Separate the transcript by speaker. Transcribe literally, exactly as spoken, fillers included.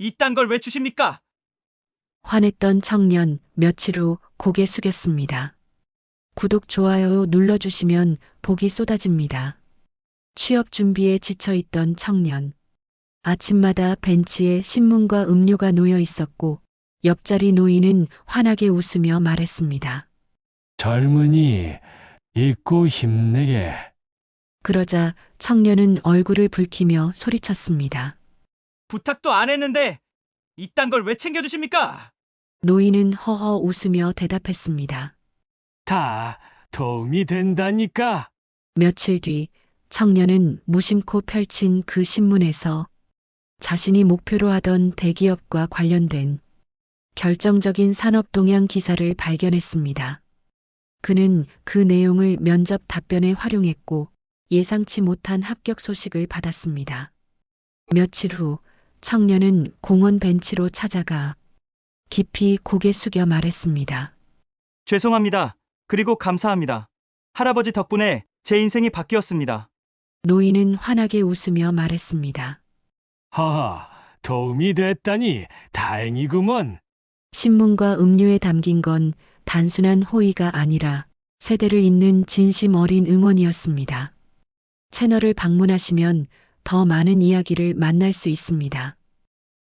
Speaker 1: 이딴 걸 왜 주십니까?
Speaker 2: 화냈던 청년 며칠 후 고개 숙였습니다. 구독, 좋아요 눌러주시면 복이 쏟아집니다. 취업 준비에 지쳐있던 청년. 아침마다 벤치에 신문과 음료가 놓여 있었고 옆자리 노인은 환하게 웃으며 말했습니다.
Speaker 3: 젊은이, 잊고 힘내게.
Speaker 2: 그러자 청년은 얼굴을 붉히며 소리쳤습니다.
Speaker 1: 부탁도 안 했는데 이딴 걸 왜 챙겨주십니까?
Speaker 2: 노인은 허허 웃으며 대답했습니다.
Speaker 3: 다 도움이 된다니까.
Speaker 2: 며칠 뒤 청년은 무심코 펼친 그 신문에서 자신이 목표로 하던 대기업과 관련된 결정적인 산업 동향 기사를 발견했습니다. 그는 그 내용을 면접 답변에 활용했고 예상치 못한 합격 소식을 받았습니다. 며칠 후 청년은 공원 벤치로 찾아가 깊이 고개 숙여 말했습니다.
Speaker 1: 죄송합니다. 그리고 감사합니다. 할아버지 덕분에 제 인생이 바뀌었습니다.
Speaker 2: 노인은 환하게 웃으며 말했습니다.
Speaker 3: 하하, 도움이 됐다니 다행이구먼.
Speaker 2: 신문과 음료에 담긴 건 단순한 호의가 아니라 세대를 잇는 진심 어린 응원이었습니다. 채널을 방문하시면 더 많은 이야기를 만날 수 있습니다.